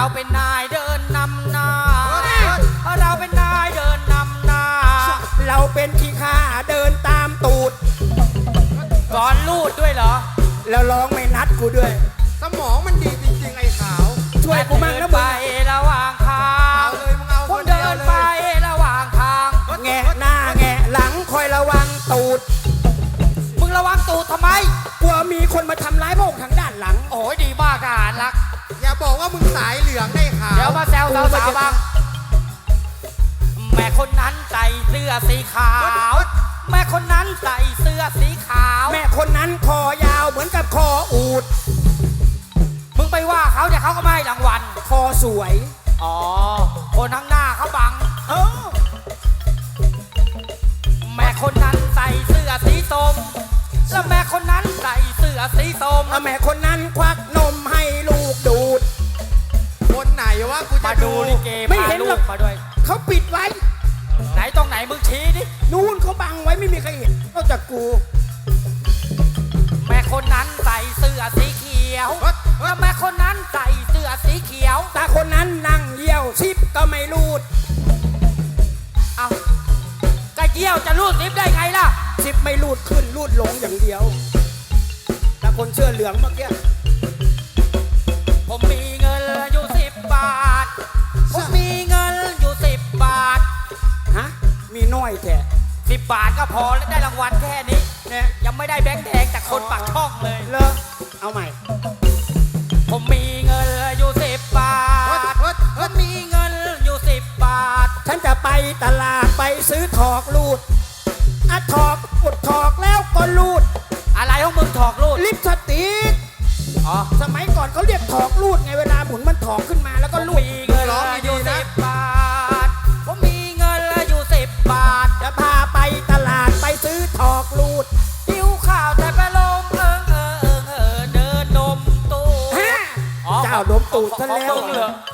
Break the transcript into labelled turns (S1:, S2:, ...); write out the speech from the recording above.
S1: เราเป็นนายเดินนำหน้าเราเป็นนายเดินนำหน้า
S2: เราเป็นขี้ข้าเดินตามตูด
S1: ก่อนลูดด้วยเหรอ
S2: แล้วร้องไม่นัดกูด้วย
S3: สมองมันดีจริงๆไอ้ขาว
S2: ช่วยกูมั่งนะมึง
S1: ไประหว่างทาง
S3: เลยมึงเอา
S1: ผมเดินไประหว่างทาง
S2: แงะหน้าแงะหลังคอยระวังตูด
S1: มึงระวังตูดทำไม
S2: กลัวมีคนมาทำร้ายพวกทางด้านหลัง
S1: โอ้ยดีมากทหารรัก
S3: อย่าบอกว่ามึงสายเหลืองได้ขาว
S1: เดี๋ยวมาแซวสาวๆบ้างแม่คนนั้นใส่เสื้อสีขาวแม่คนนั้นใส่เสื้อสีขาว
S2: แม่คนนั้นคอยาวเหมือนกับคออูฐ
S1: มึงไปว่าเขาเดี๋ยวเขาก็ไม่ให้รางวัล
S2: คอสวย
S1: อ๋อคนข้างหน้าเขาบังแม่คนนั้นใส่เสื้อสีส้มแล้วแม่คนนั้นใส่เสื้อสีส้ม
S2: แม่คนนั้นควักนมให้ลูกดูด
S3: คนไหนวะกูจะดู
S1: ลิเกไม่เห็นหรอกมาด้วย
S2: เขาปิดไว้
S1: ไหนตรงไหนมึงชี้ดิ
S2: นู่นเขาบังไว้ไม่มีใครเห็นนอกจากกู
S1: แม่คนนั้นใส่เสื้อสีเขียวแล้วแม่คนนั้นใส่เสื้อสีเขียว
S2: ตาคนนั้นนั่งเยี่ยวซิปก็ไม่รูด
S1: เอากระเยี่ยวจะรูดซิปได้ไงล่ะ
S2: ซิปไม่รูดขึ้นรูดลงอย่างเดียวแต่คนเสื้อเหลืองเมื่อกี้
S1: ผมมีเงินอยู่10 บาทผมมีเงินอยู่10 บาท
S2: ฮะมีน้อยแค่
S1: 10 บาทก็พอแล้วได้รางวัลแค่นี้เนี่ยยังไม่ได้แบงค์แดงจากคนปากช่องเลย
S2: เหรอเอาใหม่
S1: ผมมีเงินอยู่10 บาทผมมีเงินอยู่10 บาท
S2: ฉันจะไปตลาดไปซื้อถอกรูดถอกอุดถอกแล้วก็รูด
S1: อะไรของมึงถอกรูด
S2: ลิปสติก
S1: อ๋อ
S2: สมัยก่อนเขาเรียกถอกรูดไงเวลาหมุนมันถอกขึ้นมาแล้วก็รูด
S1: มีเงินอยู่10 บาทผมมีเงินอยู่10 บาท
S2: จะพาไปตลาดไปซื้อถอกรูด
S1: หิวข้าวแต่ไปลมเดินนมตู
S2: เจ้าดมตูดซะแล้ว